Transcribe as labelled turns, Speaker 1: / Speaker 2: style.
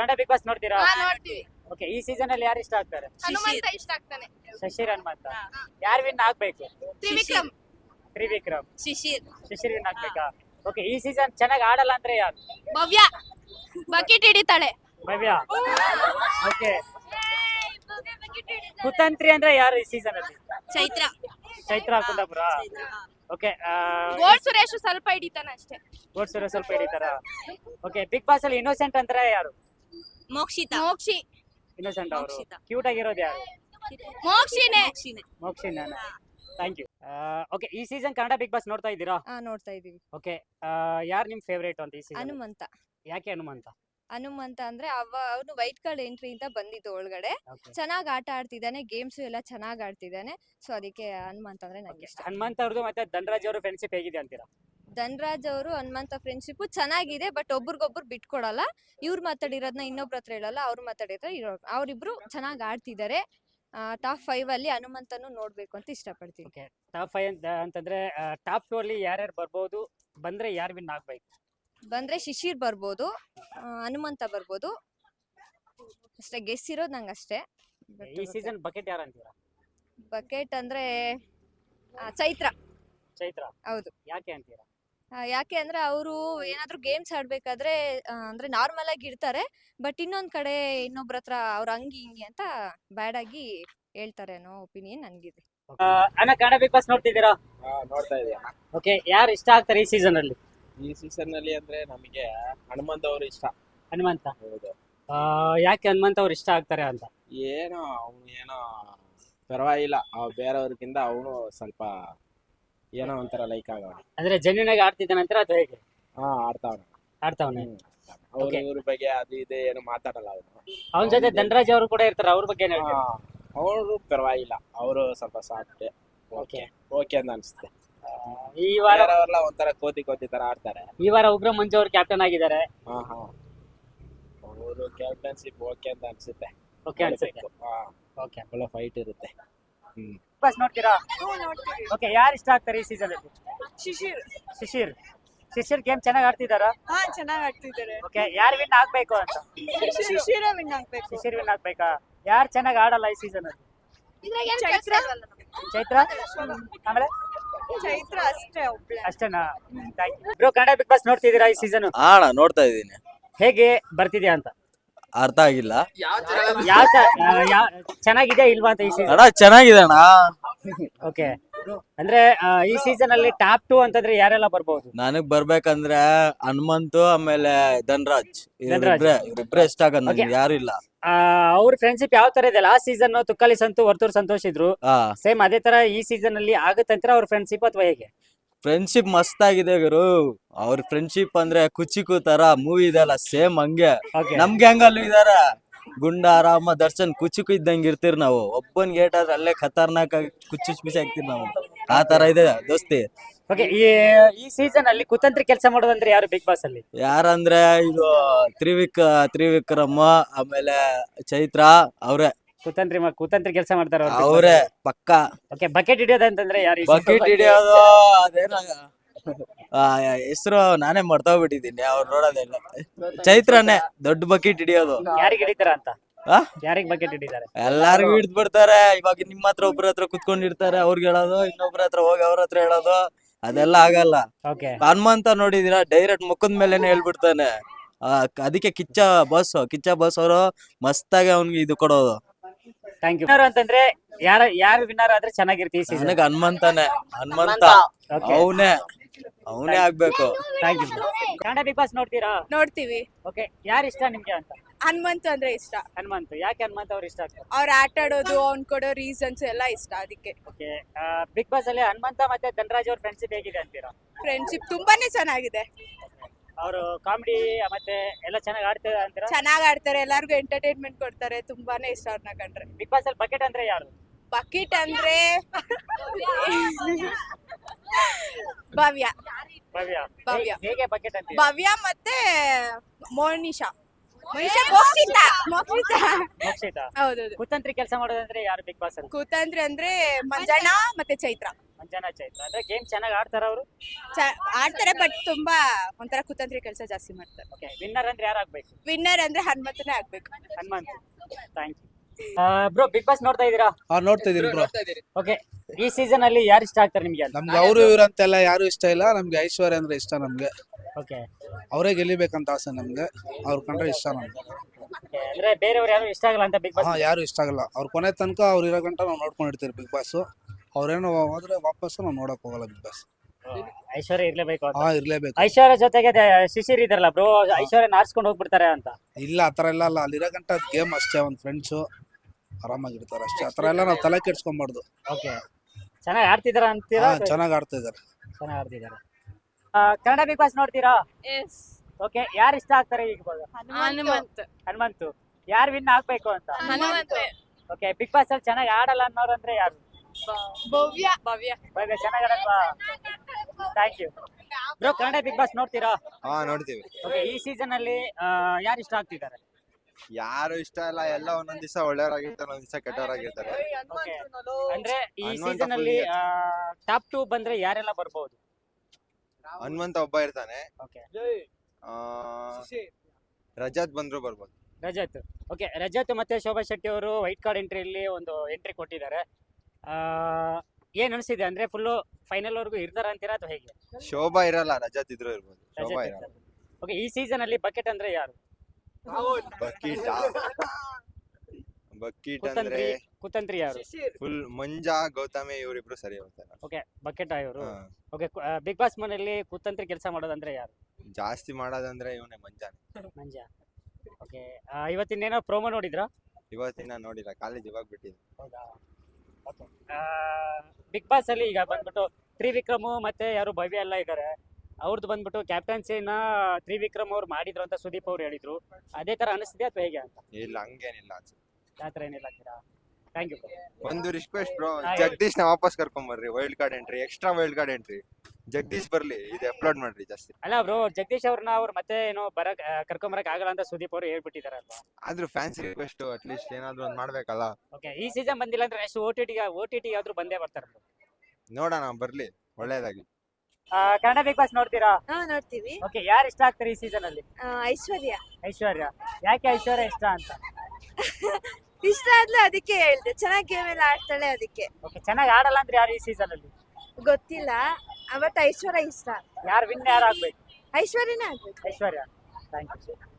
Speaker 1: Kannada Bigg Boss ನೋಡ್ತೀರಾ?
Speaker 2: ನೋಡ್ತೀವಿ.
Speaker 1: Okay, ಈ ಸೀಸನ್ ಅಲ್ಲಿ ಯಾರು ಇಷ್ಟ ಆಗ್ತಾರೆ?
Speaker 2: ಹನುಮಂತ ಇಷ್ಟ ಆಗ್ತಾನೆ.
Speaker 1: ಶಶಿರ್ ಹನುಮಂತ. ಯಾರು ವಿನ್ ಆಗ್ಬೇಕು?
Speaker 2: ತ್ರಿವಿಕ್ರಮ್.
Speaker 1: ತ್ರಿವಿಕ್ರಮ್.
Speaker 2: ಶಿಶಿರ್
Speaker 1: ವಿನ್ ಆಗ್ಬೇಕಾ? ಓಕೆ, ಈ ಸೀಸನ್ ಚೆನ್ನಾಗಿ ಆಡಲ್ಲ ಅಂದ್ರೆ ಯಾರು?
Speaker 2: ಭವ್ಯ ಬಕೆಟ್ ಹಿಡಿತಾಳೆ.
Speaker 1: ಭವ್ಯ. ಓಕೆ, ಕುತಂತ್ರಿ ಅಂದ್ರೆ ಯಾರು ಈ ಸೀಸನ್ ಅಲ್ಲಿ?
Speaker 2: ಚೈತ್ರ.
Speaker 1: ಚೈತ್ರ ಕುಂದಾಪುರ. ಓಕೆ,
Speaker 2: ಗೋಲ್ಡ್ ಸುರೇಶ್ ಸ್ವಲ್ಪ ಹಿಡಿತಾನೆ ಅಷ್ಟೇ.
Speaker 1: ಗೋಡ್ಸೂರ ಸ್ವಲ್ಪ ಹಿಡಿತಾರ. ಓಕೆ, ಬಿಗ್ ಬಾಸ್ ಅಲ್ಲಿ ಇನ್ನೋಸೆಂಟ್ ಅಂದ್ರೆ ಯಾರು?
Speaker 2: ಮೋಕ್ಷಿ.
Speaker 1: ಇನ್ನೋಸೆಂಟ್ ಅವರು.
Speaker 2: ಮೋಕ್ಷಿತ.
Speaker 1: ಕ್ಯೂಟ್ ಆಗಿರೋದು ಯಾರು?
Speaker 2: ಮೋಕ್ಷಿನೇ.
Speaker 1: ಮೋಕ್ಷಿನ. Thank you. ಓಕೆ, ಈ ಸೀಸನ್ ಕನ್ನಡ ಬಿಗ್ ಬಾಸ್ ನೋಡ್ತಾ ಇದ್ದೀರಾ?
Speaker 3: ನೋಡ್ತಾ ಇದೀವಿ.
Speaker 1: ಓಕೆ, ಯಾರು ನಿಮ್ ಫೇವರೇಟ್ ಅಂತ ಈ ಸೀಸನ್?
Speaker 3: ಹನುಮಂತ.
Speaker 1: ಯಾಕೆ ಹನುಮಂತ?
Speaker 3: ಹನುಮಂತ ಅಂದ್ರೆ ಅವನು ವೈಟ್ ಕಾರ್ಡ್ ಎಂಟ್ರಿ ಅಂತ ಬಂದಿದ್ದು ಒಳಗಡೆ.
Speaker 1: Okay.
Speaker 3: ಚೆನ್ನಾಗ್ ಆಟ ಆಡ್ತಿದ್ದಾನೆ, ಗೇಮ್ಸ್ ಎಲ್ಲ ಚೆನ್ನಾಗ್ ಆಡ್ತಿದ್ದಾನೆ. ಸೊ ಅದಕ್ಕೆ ಹನುಮಂತ ಅಂದ್ರೆ ನಂಗೆ ಇಷ್ಟ.
Speaker 1: ಹನುಮಂತ ಅವ್ರದ್ದು ಮತ್ತೆ ಧನರಾಜ್ ಅವ್ರ ಫ್ರೆಂಡ್ಶಿಪ್ ಹೇಗಿದೆ ಅಂತೀರಾ?
Speaker 3: ಧನ್ರಾಜ್ ಅವರು ಹನುಮಂತ ಫ್ರೆಂಡ್ಶಿಪ್ ಚೆನ್ನಾಗಿದೆ, ಬಟ್ ಒಬ್ರಿಗೊಬ್ರು ಬಿಟ್ಕೊಡಲ್ಲ. ಇವ್ರು ಮಾತಾಡಿರೋದನ್ನ ಇನ್ನೊಬ್ರ ಹತ್ರ ಹೇಳಲ್ಲ, ಅವ್ರು ಮಾತಾಡಿದ್ರೆ ಅವ್ರಿಬ್ರು ಚೆನ್ನಾಗ್ ಆಡ್ತಿದ್ದಾರೆ. ಟಾಪ್ 5 ಅಲ್ಲಿ ಹನುಮಂತನು ನೋಡ್ಬೇಕು ಅಂತ ಇಷ್ಟಪಡ್ತೀನಿ.
Speaker 1: ಓಕೆ, ಟಾಪ್ 5 ಅಂತಂದ್ರೆ ಟಾಪ್ 2 ಅಲ್ಲಿ ಯಾರ್ಯಾರು ಬರ್ಬೋದು? ಬಂದ್ರೆ ಯಾರು ವಿನ್ ಆಗ್ಬೇಕು?
Speaker 3: ಬಂದ್ರೆ ಶಿಶಿರ್ ಬರ್ಬೋದು, ಹನುಮಂತ ಬರ್ಬೋದು. ಅಷ್ಟೇ ಗೆಸ್ ಇರೋದು ನಂಗೆ ಅಷ್ಟೇ.
Speaker 1: ಈ ಸೀಸನ್ ಬಕೆಟ್ ಯಾರು ಅಂತೀರಾ?
Speaker 3: ಬಕೆಟ್ ಅಂದ್ರೆ ಚೈತ್ರ.
Speaker 1: ಚೈತ್ರ.
Speaker 3: ಹೌದು.
Speaker 1: ಯಾಕೆ ಅಂತೀರಾ?
Speaker 3: ಯಾಕೆ ಅಂದ್ರೆ ಅವರು ಏನಾದ್ರು ಗೇಮ್ಸ್ ಆಡ್ಬೇಕಾದ್ರೆ ಅಂದ್ರೆ ನಾರ್ಮಲ್ ಆಗಿ ಇರ್ತಾರೆ, ಬಟ್ ಇನ್ನೊಂದ್ ಕಡೆ ಇನ್ನೊಬ್ರ ಹತ್ರ ಅವ್ರ ಹಂಗಿ ಹಿಂಗಿ ಅಂತ ಬ್ಯಾಡ್ ಆಗಿ ಹೇಳ್ತಾರೆ ಅನ್ನೋ ಒಪಿನಿಯನ್ ನನ್ಗಿದೆ.
Speaker 1: ಅಣ್ಣ, ಕನ್ನಡ ಬಿಗ್ ಬಾಸ್ ನೋಡ್ತಿದ್ದೀರಾ?
Speaker 4: ನೋಡ್ತಾ ಇದೀಯ.
Speaker 1: ಓಕೆ, ಯಾರು ಇಷ್ಟ ಆಗ್ತಾರೆ ಈ ಸೀಸನ್ ಅಲ್ಲಿ?
Speaker 4: ಈ ಸೀಸನ್ ಅಲ್ಲಿ ಅಂದ್ರೆ ನಮಗೆ ಹನುಮಂತ ಅವರು ಇಷ್ಟ.
Speaker 1: ಹನುಮಂತ.
Speaker 4: ಹೌದು.
Speaker 1: ಯಾಕೆ ಹನುಮಂತ ಅವ್ರು ಇಷ್ಟ ಆಗ್ತಾರೆ ಅಂತ?
Speaker 4: ಅವನು ಪರವಾಗಿಲ್ಲ, ಬೇರೆಯವ್ರಿಗಿಂತ ಅವನು ಸ್ವಲ್ಪ ಏನೋ ಒಂಥರ ಲೈಕ್ ಆಗವ.
Speaker 1: ಅಂದ್ರೆ ಜೆನ್ಯೂನ್ ಆಗಿ ಆಡ್ತಿದ್ದಾನಂತೀರಾ ಅಥವಾ ಹೇಗೆ? ಆಡ್ತಾವನೆ.
Speaker 4: ಅವ್ರ
Speaker 1: Okay.
Speaker 4: ಇವ್ರ ಬಗ್ಗೆ ಅದು ಇದೆ ಏನು ಮಾತಾಡಲ್ಲ ಅವನು.
Speaker 1: ಅವನ ಜೊತೆ ಧನರಾಜ್ ಅವರು ಕೂಡ ಇರ್ತಾರೆ, ಅವ್ರ ಬಗ್ಗೆ ಏನ್ ಹೇಳ್ತೀರಾ?
Speaker 4: ಅವರು ಪರವಾಗಿಲ್ಲ, ಅವರು ಸ್ವಲ್ಪ ಸಾಫ್ಟ್.
Speaker 1: Okay.
Speaker 4: ಓಕೆ ಅಂತ ಅನ್ಸುತ್ತೆ.
Speaker 1: ಈ ವಾರ
Speaker 4: ಬೇರೆಯವ್ರೆಲ್ಲ ಒಂಥರ ಕೋತಿ ತರ ಆಡ್ತಾರೆ.
Speaker 1: ಉಗ್ರ ಮಂಜು ಅವರು ಕ್ಯಾಪ್ಟನ್ ಆಗಿದ್ದಾರೆ.
Speaker 4: ಅವರು ಕ್ಯಾಪ್ಟನ್ಶಿಪ್ ಓಕೆ ಅಂತ ಅನ್ಸುತ್ತೆ.
Speaker 1: ಓಕೆ ಅನ್ಸುತ್ತೆ. ಓಕೆ,
Speaker 4: ಒಳ್ಳೆ ಫೈಟ್ ಇರುತ್ತೆ.
Speaker 1: ಬಸ್ ನೋಡ್ತೀರಾ? ಓಕೆ, ಯಾರು ಇಷ್ಟ ಆಗ್ತಾರೆ ಈ ಸೀಸನ್ ಅಲ್ಲಿ? ಶಿಶಿರ್ ಗೇಮ್ ಚೆನ್ನಾಗಿ ಆಡ್ತಿದಾರಾ?
Speaker 5: ಚೆನ್ನಾಗಿ ಆಡ್ತಿದ್ದಾರೆ.
Speaker 1: ಓಕೆ, ಯಾರು ವಿನ್ ಆಗ್ಬೇಕು ಅಂತ?
Speaker 5: ಶಿಶಿರ ವಿನ್ ಆಗ್ಬೇಕು.
Speaker 1: ಶಿಶಿರ್ ವಿನ್ ಆಗ್ಬೇಕಾ? ಯಾರು ಚೆನ್ನಾಗಿ ಆಡಲ್ಲ ಈ ಸೀಸನ್ ಅಲ್ಲಿ?
Speaker 5: ಚೈತ್ರ
Speaker 1: ಚೈತ್ರ. ಆಮೇಲೆ
Speaker 5: ಚೈತ್ರ ಅಷ್ಟೇ ಒಬ್ಳೆ.
Speaker 1: ಅಷ್ಟೇನಾ? Thank you bro. Kannada Bigg Boss ನೋಡ್ತಿದ್ದೀರಾ ಈ ಸೀಸನ್?
Speaker 6: ನೋಡ್ತಾ ಇದ್ದೀನಿ.
Speaker 1: ಹೇಗೆ ಬರ್ತಿದ್ಯಾ ಅಂತ?
Speaker 6: ಅರ್ಥ ಆಗಿಲ್ಲ.
Speaker 1: ಚೆನ್ನಾಗಿದೆ ಇಲ್ವಾ ಅಂತ ಈ ಸೀಸನ್?
Speaker 6: ಅಣ್ಣ ಚೆನ್ನಾಗಿದೆ ಅಣ್ಣ.
Speaker 1: ಓಕೆ, ಅಂದ್ರೆ ಈ ಸೀಸನ್ ಅಲ್ಲಿ ಟಾಪ್ 2 ಅಂತಂದ್ರೆ ಯಾರೆಲ್ಲ ಬರ್ಬೋದು?
Speaker 6: ನನಗ್ ಬರ್ಬೇಕಂದ್ರೆ ಹನುಮಂತು ಆಮೇಲೆ ಧನ್ರಾಜ್
Speaker 1: ಧನ್ರಾಜ್.
Speaker 6: ಇವ್ರಿಬ್ರೆ ಇಷ್ಟ ಆಗದ್
Speaker 1: Okay.
Speaker 6: ನನಗೆ, ಯಾರು ಇಲ್ಲ.
Speaker 1: ಅವ್ರ ಫ್ರೆಂಡ್ಶಿಪ್ ಯಾವ ತರ ಇದೆ? ಲಾಸ್ಟ್ ಸೀಸನ್ ತುಕ್ಕಲಿ ಸಂತು ವರ್ತೂರ್ ಸಂತೋಷ್ ಇದ್ರು,
Speaker 6: ಹಾ,
Speaker 1: ಸೇಮ್ ಅದೇ ತರ ಈ ಸೀಸನ್ ಅಲ್ಲಿ ಆಗತ್ತಂತ್ರ ಅವ್ರ ಫ್ರೆಂಡ್ಶಿಪ್ ಅಥವಾ ಹೇಗೆ?
Speaker 6: ಫ್ರೆಂಡ್ಶಿಪ್ ಮಸ್ತ್ ಆಗಿದೆ ಗುರು. ಅವ್ರ ಫ್ರೆಂಡ್ಶಿಪ್ ಅಂದ್ರೆ ಕುಚಿಕು ತರ ಮೂವಿ ಇದೆಲ್ಲ ಸೇಮ್ ಹಂಗೆ
Speaker 1: Okay.
Speaker 6: ನಮ್ ಗ್ಯಾಂಗ್ ಅಲ್ಲೂ ಇದಾರ. ಗುಂಡ ಆರಾಮ ದರ್ಶನ್ ಕುಚಿಕು ಇದ್ದಂಗೆ ಇರ್ತೀರಿ ನಾವು. ಒಬ್ಬನ್ ಗೇಟ್ ಆದ್ರೆ ಅಲ್ಲೇ ಖತರ್ನಾಕ್ ಆಗಿ ಕುಚ್ಚುಚ್ಚು ಆಗ್ತೀವಿ ನಾವು. ಆ ತರ ಇದೆ ದೋಸ್ತಿ.
Speaker 1: ಓಕೆ, ಈ ಸೀಸನ್ ಅಲ್ಲಿ ಕುತಂತ್ರಿ ಕೆಲಸ ಮಾಡೋದಂದ್ರೆ ಯಾರು ಬಿಗ್ ಬಾಸ್ ಅಲ್ಲಿ?
Speaker 6: ಯಾರಂದ್ರೆ ಇದು ತ್ರಿವಿಕ್ರಮ ಆಮೇಲೆ ಚೈತ್ರ ಅವ್ರೆ.
Speaker 1: ಕುತಂತ್ರಿ ಕೆಲಸ ಮಾಡ್ತಾರೆ
Speaker 6: ಅವ್ರೆ ಪಕ್ಕ.
Speaker 1: ಓಕೆ, ಬಕೆಟ್ ಹಿಡಿಯೋದಂತಂದ್ರೆ ಯಾರು?
Speaker 6: ಬಕೆಟ್ ಹಿಡಿಯೋದು ಅದೇನ ಹೆಸರು ನಾನೇ ಮರ್ತೋಗ್ಬಿಟ್ಟಿದ್ದೀನಿ, ಅವ್ರು ನೋಡೋದಿಲ್ಲ. ಚೈತ್ರನೇ ದೊಡ್ಡ ಬಕೆಟ್ ಹಿಡಿಯೋದು.
Speaker 1: ಯಾರಿಗೆ ಹಿಡಿತಾರ ಅಂತ?
Speaker 6: ಆ?
Speaker 1: ಯಾರಿಗೆ ಬಕೆಟ್ ಹಿಡಿತಾರೆ?
Speaker 6: ಎಲ್ಲಾರ್ಗು ಹಿಡ್ದು ಬಿಡ್ತಾರೆ. ಇವಾಗ ನಿಮ್ಮ ಹತ್ರ ಒಬ್ರ ಹತ್ರ ಕುತ್ಕೊಂಡಿರ್ತಾರೆ, ಅವ್ರಿಗೆ ಹೇಳೋದು, ಇನ್ನೊಬ್ರ ಹತ್ರ ಹೋಗಿ ಅವ್ರ ಹತ್ರ ಹೇಳೋದು, ಅದೆಲ್ಲ ಆಗಲ್ಲ.
Speaker 1: ಓಕೆ,
Speaker 6: ಹನುಮಂತ ನೋಡಿದೀರಾ, ಡೈರೆಕ್ಟ್ ಮುಖದ ಮೇಲೆನೆ ಹೇಳ್ಬಿಡ್ತಾನೆ. ಅದಕ್ಕೆ ಕಿಚ್ಚ ಬಸ್ ಅವರು ಮಸ್ತಾಗಿ ಅವ್ನಿಗೆ ಇದು ಕೊಡೋದು.
Speaker 1: Thank you. ಅಂತಂದ್ರೆ ಯಾರು ವಿನ್ನರ್ ಆದ್ರೆ ಚೆನ್ನಾಗಿರುತ್ತೆ ಈ ಸೀಸನ್?
Speaker 6: ನನಗೆ ಹನುಮಂತ
Speaker 1: Okay.
Speaker 6: ಅವನೇ ಆಗ್ಬೇಕು.
Speaker 1: Thank you. Kannada Bigg Boss ನೋಡ್ತೀರಾ?
Speaker 5: ನೋಡ್ತೀವಿ.
Speaker 1: ಓಕೆ, ಯಾರು ಇಷ್ಟ ನಿಮ್ಗೆ ಅಂತ?
Speaker 5: ಹನುಮಂತ ಅಂದ್ರೆ ಇಷ್ಟ.
Speaker 1: ಹನುಮಂತ್. ಯಾಕೆ ಹನುಮಂತ್ ಅವ್ರು ಇಷ್ಟ ಆಗ್ತಾರೆ?
Speaker 5: ಅವ್ರ ಆಟ ಆಡೋದು, ಅವ್ನ್ ಕೊಡೋ ರೀಸನ್ಸ್ ಎಲ್ಲ ಇಷ್ಟ ಅದಕ್ಕೆ.
Speaker 1: ಓಕೆ, ಬಿಗ್ ಬಾಸ್ ಅಲ್ಲಿ ಹನುಮಂತ ಮತ್ತೆ ಧನರಾಜ್ ಅವ್ರ ಫ್ರೆಂಡ್ಶಿಪ್ ಹೇಗಿದೆ ಅಂತೀರಾ?
Speaker 5: ಫ್ರೆಂಡ್ಶಿಪ್ ತುಂಬಾನೇ ಚೆನ್ನಾಗಿದೆ.
Speaker 1: ಅವರು ಕಾಮಿಡಿ ಮತ್ತೆ ಎಲ್ಲ ಚೆನ್ನಾಗಿ ಆಡ್ತಾರೆ ಅಂತೀರಾ?
Speaker 5: ಚೆನ್ನಾಗ್ ಆಡ್ತಾರೆ, ಎಲ್ಲಾರ್ಗು ಎಂಟರ್ಟೈನ್ಮೆಂಟ್ ಕೊಡ್ತಾರೆ. ತುಂಬಾನೇ ಇಷ್ಟ ಅವ್ರನ್ನ ಕಂಡ್ರೆ.
Speaker 1: ಬಿಗ್ ಬಾಸ್ ಅಲ್ಲಿ ಬಕೆಟ್ ಅಂದ್ರೆ ಯಾರು?
Speaker 5: ಬಕೆಟ್ ಅಂದ್ರೆ ಭವ್ಯ. ಭವ್ಯ.
Speaker 1: ಹೇಗೆ ಬಕೆಟ್ ಅಂತ?
Speaker 5: ಭವ್ಯ ಮತ್ತೆ ಮೋನಿಶಾ.
Speaker 1: ಮೋಕ್ಷಿತ.
Speaker 5: ಹೌದೌದು.
Speaker 1: ಕುತಂತ್ರಿ ಕೆಲಸ ಮಾಡೋದಂದ್ರೆ ಯಾರು ಬಿಗ್ ಬಾಸ್ ಅಲ್ಲಿ?
Speaker 5: ಕೂತಂದ್ರೆ ಅಂದ್ರೆ ಮಂಜಣ್ಣ ಮತ್ತೆ ಚೈತ್ರ.
Speaker 1: ಮಂಜನಾ ಚೈತ್ರ ಅಂದ್ರೆ ಗೇಮ್ ಚೆನ್ನಾಗಿ ಆಡ್ತಾರ ಅವರು.
Speaker 5: ಆಡ್ತಾರೆ ಬಟ್ ತುಂಬಾ ಒಂಥರ ಕುತಂತ್ರಿ ಕೆಲಸ ಜಾಸ್ತಿ ಮಾಡ್ತಾರೆ.
Speaker 1: ಓಕೆ, ವಿನ್ನರ್ ಅಂದ್ರೆ ಯಾರು ಆಗ್ಬೇಕು?
Speaker 5: ವಿನ್ನರ್ ಅಂದ್ರೆ ಹನುಮಂತನೇ ಆಗ್ಬೇಕು.
Speaker 1: Hanumanth. Thank you. Bro, Bigg Boss ನೋಡ್ತಾ ಇದೀರಾ?
Speaker 7: ನೋಡ್ತಾ ಇದೀನಿ ಬ್ರೋ.
Speaker 1: ಓಕೆ, ಈ ಸೀಸನ್ ಅಲ್ಲಿ ಯಾರು ಇಷ್ಟ ಆಗ್ತಾರೆ ನಿಮ್ಗೆ ಅಂತ?
Speaker 7: ನಮ್ಗೆ ಅವರು ಇವ್ರು ಅಂತೆಲ್ಲ ಯಾರು ಇಷ್ಟ ಇಲ್ಲ. ನಮ್ಗೆ ಐಶ್ವರ್ಯ ಅಂದ್ರೆ ಇಷ್ಟ. ನಮ್ಗೆ
Speaker 1: ಓಕೆ,
Speaker 7: ಅವರೇ ಗೆಲ್ಲಿಬೇಕಂತ ಆಸೆ ನಮ್ಗೆ. ಅವ್ರ ಕಂಡ್ರೆ ಇಷ್ಟ ನಮ್ಗೆ.
Speaker 1: ಅಂದ್ರೆ ಬೇರೆಯವ್ರು ಯಾರು ಇಷ್ಟ ಆಗಲ್ಲ ಅಂತ ಬಿಗ್ ಬಾಸ್?
Speaker 7: ಯಾರು ಇಷ್ಟ ಆಗಲ್ಲ. ಅವ್ರ ಕೊನೆ ತನಕ ಅವ್ರು ಇರೋ ಗಂಟ ನಾವು ನೋಡ್ಕೊಂಡಿರ್ತೀವಿ ಬಿಗ್ ಬಾಸ್. ಅವ್ರೇನೋ ಹೋದ್ರೆ ವಾಪಸ್ ನಾವು ನೋಡಕ್ ಹೋಗಲ್ಲ ಬಿಗ್ ಬಾಸ್.
Speaker 1: ಐಶ್ವರ್ಯ ಇರ್ಲೇಬೇಕು ಅಂತ.
Speaker 7: ಇರ್ಲೇಬೇಕು.
Speaker 1: ಐಶ್ವರ್ಯ ಜೊತೆಗೆ ಶಿಶಿರ್ ಇದಾರಲ್ಲ ಬ್ರೋ, ಐಶ್ವರ್ಯ ನಾರ್ಸ್ಕೊಂಡು ಹೋಗ್ಬಿಡ್ತಾರೆ ಅಂತ.
Speaker 7: ಇಲ್ಲ, ಆತರ ಎಲ್ಲ ಅಲ್ಲ. ಅಲ್ಲಿರೋ ಗಂಟ ಗೇಮ್ ಅಷ್ಟೇ. ಒಂದ್ ಫ್ರೆಂಡ್ಸು ಆರಾಮಾಗಿರ್ತಾರೆ ಅಷ್ಟೇ. ಆತರ ಎಲ್ಲ ನಾವು ತಲೆ ಕೆಡ್ಸ್ಕೊಂಬಾರ್ದು.
Speaker 1: ಓಕೆ, ಚೆನ್ನಾಗಿ ಆಡ್ತಿದಾರ ಅಂತೀರಾ?
Speaker 7: ಚೆನ್ನಾಗಿ ಆಡ್ತಾ ಇದಾರೆ.
Speaker 1: ಚೆನ್ನಾಗಿ ಆಡ್ತಿದ್ದಾರೆ. ಕನ್ನಡ ಬಿಗ್ ಬಾಸ್ ನೋಡ್ತೀರಾ?
Speaker 2: ಎಸ್.
Speaker 1: ಓಕೆ, ಯಾರು ಇಷ್ಟ ಆಗ್ತಾರೆ ಈಗ ಇವಾಗ?
Speaker 2: ಹನುಮಂತ್.
Speaker 1: ಹನುಮಂತು. ಯಾರು ವಿನ್ ಆಗ್ಬೇಕು ಅಂತ?
Speaker 2: ಹನುಮಂತ್.
Speaker 1: ಓಕೆ, ಬಿಗ್ ಬಾಸ್ ಅಲ್ಲಿ ಚೆನ್ನಾಗಿ ಆಡಲ್ಲ ಅನ್ನೋರು ಅಂದ್ರೆ ಯಾರು?
Speaker 2: ಭವ್ಯ.
Speaker 1: ಇವಾಗ ಚೆನ್ನಾಗಿ ಆಡಲ್ವಾ? Thank you bro. Kannada Bigg Boss ನೋಡ್ತೀರಾ?
Speaker 8: ನೋಡ್ತೀವಿ.
Speaker 1: ಓಕೆ, ಈ ಸೀಸನ್ ಅಲ್ಲಿ ಯಾರು ಇಷ್ಟ ಆಗ್ತಿದ್ದಾರೆ?
Speaker 8: ಯಾರು ಇಷ್ಟ ಇಲ್ಲ. ಎಲ್ಲ ಒಂದೊಂದ್ ದಿವಸ ಒಳ್ಳೆಯವರಾಗಿರ್ತಾರೆ, ಒಂದೊಂದ್ ದಿವಸ ಕೆಟ್ಟವರಾಗಿರ್ತಾರೆ.
Speaker 1: ಓಕೆ, ಅಂದ್ರೆ ಈ
Speaker 8: ಹನುಮಂತ
Speaker 1: ಸೀಸನ್ ಅಲ್ಲಿ ಟಾಪ್ 2 ಬಂದ್ರೆ ಯಾರೆಲ್ಲ ಬರ್ಬೋದು?
Speaker 8: ಹನುಮಂತ ಒಬ್ಬ ಇರ್ತಾನೆ.
Speaker 1: ಓಕೆ,
Speaker 8: ಆ, ರಜತ್ ಬಂದ್ರು ಬರ್ಬೋದು.
Speaker 1: ರಜತ್. ಓಕೆ, ರಜತ್ ಮತ್ತೆ ಶೋಭಾ ಶೆಟ್ಟಿ ಅವರು ವೈಟ್ ಕಾರ್ಡ್ ಎಂಟ್ರಿಯಲ್ಲಿ ಒಂದು ಎಂಟ್ರಿ ಕೊಟ್ಟಿದ್ದಾರೆ. ಏನ್ ಅನಿಸಿದೆ ಅಂದ್ರೆ ಫುಲ್ಲು ಫೈನಲ್ ವರ್ಗೂ ಇರ್ತಾರ ಅಂತೀರಾ ಅಥವಾ ಹೇಗೆ?
Speaker 8: ಶೋಭಾ ಇರಲ್ಲ, ರಜತ್ ಇದ್ರು ಇರ್ಬೋದು. ಶೋಭಾ ಇರಲ್ಲ.
Speaker 1: ಓಕೆ, ಈ ಸೀಸನ್ ಅಲ್ಲಿ ಬಕೆಟ್ ಅಂದ್ರೆ ಯಾರು?
Speaker 8: ಬಕೀಟ್ ಬಕೀಟ್ ಅಂದ್ರೆ
Speaker 1: ಕುತಂತ್ರಿ ಯಾರು?
Speaker 8: ಫುಲ್ ಮಂಜಾ ಗೌತಮಿ ಇವರಿಬ್ರು ಸರಿ ಹೋಗ್ತಾರೆ.
Speaker 1: ಓಕೆ, ಬಕೆಟ್ ಇವರು.
Speaker 8: ಹಾ.
Speaker 1: ಓಕೆ, ಬಿಗ್ ಬಾಸ್ ಮನೆಯಲ್ಲಿ ಕುತಂತ್ರಿ ಕೆಲಸ ಮಾಡೋದಂದ್ರೆ ಯಾರು?
Speaker 8: ಜಾಸ್ತಿ ಮಾಡೋದಂದ್ರೆ ಇವನೇ ಮಂಜಾನೆ.
Speaker 1: ಮಂಜ. ಓಕೆ, ಇವತ್ತಿನೇನೋ ಪ್ರೋಮೋ ನೋಡಿದ್ರಾ?
Speaker 8: ಇವತ್ತಿನ ನೋಡಿಲ್ಲ, ಕಾಲೇಜ್ ಇವಾಗ ಬಿಟ್ಟಿದ್ದೆ.
Speaker 1: ಹೌದಾ? ಓಕೆ, ಬಿಗ್ ಬಾಸ್ ಅಲ್ಲಿ ಈಗ ಬಂದ್ಬಿಟ್ಟು ತ್ರಿವಿಕ್ರಮ್ ಮತ್ತೆ ಯಾರು ಭವ್ಯ ಎಲ್ಲ ಇದ್ದಾರೆ. ಅವ್ರದ್ದು ಬಂದ್ಬಿಟ್ಟು ಕ್ಯಾಪ್ಟನ್ಸಿನ ತ್ರಿವಿಕ್ರಮ್ ಅವ್ರು ಮಾಡಿದ್ರು ಅಂತ ಸುದೀಪ್ ಅವ್ರು ಹೇಳಿದ್ರು. ಅದೇ ತರ ಅನಿಸ್ತಿದೆ ಅಥವಾ ಹೇಗೆ ಅಂತ?
Speaker 8: ಇಲ್ಲ, ಹಂಗೇನಿಲ್ಲ ಅನ್ಸುತ್ತೆ.
Speaker 1: ಆ ಥರ ಏನಿಲ್ಲ ಅಂತೀರಾ? Thank you.
Speaker 8: ಒಂದು ರಿಕ್ವೆಸ್ಟ್ ಬ್ರೋ, ಜಗದೀಶ್ ನ ವಾಪಸ್ ಕರ್ಕೊಂಡ್ ಬರ್ರಿ. Wild card entry, extra wild card entry Jagadish ಬರ್ಲಿ. ಇದು ಅಪ್ಲೋಡ್ ಮಾಡ್ರಿ ಜಾಸ್ತಿ.
Speaker 1: ಅಲ್ಲ ಬ್ರೋ, ಜಗದೀಶ್ ಅವ್ರನ್ನ ಅವ್ರು ಮತ್ತೆ ಏನೋ ಕರ್ಕೊಂಬರಕ್ ಆಗಲ್ಲ ಅಂತ ಸುದೀಪ್ ಅವರು ಹೇಳ್ಬಿಟ್ಟಿದಾರಲ್ವಾ?
Speaker 8: ಆದ್ರೂ ಫ್ಯಾನ್ಸ್ ರಿಕ್ವೆಸ್ಟ್ ಅಟ್ಲೀಸ್ಟ್ ಏನಾದ್ರು ಒಂದ್ ಮಾಡ್ಬೇಕಲ್ಲ.
Speaker 1: ಓಕೆ, ಈ ಸೀಸನ್ ಬಂದಿಲ್ಲ ಅಂದ್ರೆ ನೆಕ್ಸ್ಟ್ OTT ಆದ್ರೂ ಬಂದೇ ಬರ್ತಾರೆ.
Speaker 8: ನೋಡೋಣ, ಬರ್ಲಿ, ಒಳ್ಳೇದಾಗಿ.
Speaker 1: ಕನ್ನಡ ಬಿಗ್ ಬಾಸ್ ನೋಡ್ತೀರಾ?
Speaker 5: ನೋಡ್ತೀವಿ.
Speaker 1: ಓಕೆ, ಯಾರು ಇಷ್ಟ ಆಗ್ತಾರೆ ಈ ಸೀಸನ್ ಅಲ್ಲಿ?
Speaker 5: ಐಶ್ವರ್ಯ
Speaker 1: ಐಶ್ವರ್ಯ. ಯಾಕೆ ಐಶ್ವರ್ಯ ಇಷ್ಟ ಅಂತ?
Speaker 5: ಇಷ್ಟ ಆದ್ಲು, ಅದಕ್ಕೆ ಹೇಳ್ದೆ. ಚೆನ್ನಾಗಿ ಗೇಮ್ ಎಲ್ಲ ಆಡ್ತಾಳೆ, ಅದಕ್ಕೆ.
Speaker 1: ಓಕೆ, ಚೆನ್ನಾಗಿ ಆಡಲ್ಲ ಅಂದ್ರೆ ಯಾರು ಈ ಸೀಸನ್ ಅಲ್ಲಿ?
Speaker 5: ಗೊತ್ತಿಲ್ಲ, ಬಟ್ ಐಶ್ವರ್ಯ ಇಷ್ಟ.
Speaker 1: ಯಾರು ವಿನ್ ಯಾರು ಆಗ್ಬೇಕು?
Speaker 5: ಐಶ್ವರ್ಯನೇ ಆಗ್ಬೇಕು.
Speaker 1: ಐಶ್ವರ್ಯ. Thank you.